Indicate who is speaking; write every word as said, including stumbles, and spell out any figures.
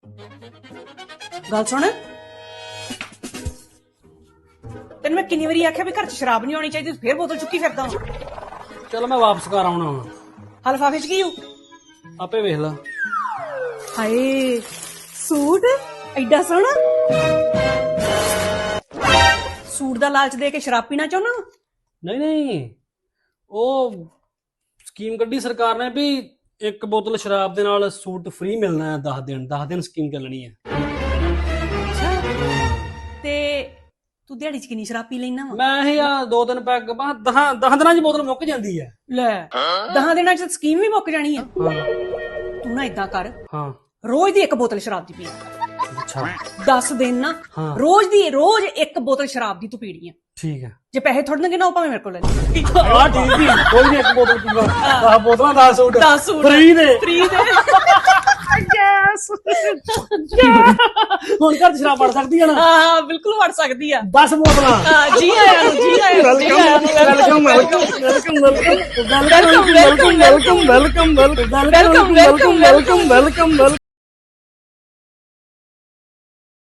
Speaker 1: गल सुन तेन मैं किन्नी बारी आख्या भी घर च शराब नहीं होनी चाहिए फिर बोतल चुकी फिरदा
Speaker 2: चलो मैं वापस कर आउणा हुण
Speaker 1: हा लिफाफे च की हूं
Speaker 2: आपे वेख ला
Speaker 1: हाय सूट एडा सोहना सूट दा लालच दे के शराब पीना चाहना
Speaker 2: नहीं नहीं ओ स्कीम कड्डी सरकार ने भी एक बोतल शराब दे नाल सूट फ्री मिलना है दस दिन दस दिन स्कीम चलनी है
Speaker 1: ते तू दिहाड़ी च किन्नी शराब पी लेना वा
Speaker 2: मैं ही आ दो दिन पैग बस दस दस दिनां च बोतल मुक जांदी है
Speaker 1: ले दहां दिनां च स्कीम भी मुक जानी है
Speaker 2: हाँ
Speaker 1: तू ना इदां कर
Speaker 2: हाँ
Speaker 1: रोज दी एक बोतल शराब दी पी
Speaker 2: अच्छा
Speaker 1: दस दिन ना
Speaker 2: हाँ।
Speaker 1: रोज दी रोज एक बोतल शराब दी तू पीनी है
Speaker 2: ठीक है
Speaker 1: जे पैसे थोड़े देंगे ना भावे मेरे को ले ले
Speaker 2: हाँ ठीक है कोई नहीं एक बोतल पीवा दस बोतलां दस सूट
Speaker 1: दस सूट
Speaker 2: फ्री दे
Speaker 1: फ्री दे यस
Speaker 2: ਹੁਣ ਘਰ ਚ ਸ਼ਰਾਬ ਪੜ ਸਕਦੀ ਹੈ ਨਾ
Speaker 1: ਹਾਂ ਬਿਲਕੁਲ ਵੜ ਸਕਦੀ ਆ
Speaker 2: दस बोतलां
Speaker 1: ਹਾਂ ਜੀ ਆਇਆਂ ਨੂੰ ਜੀ ਆਇਆਂ ਨੂੰ ਜੀ ਆਇਆਂ ਨੂੰ
Speaker 2: welcome welcome welcome welcome welcome welcome welcome welcome welcome welcome welcome welcome welcome welcome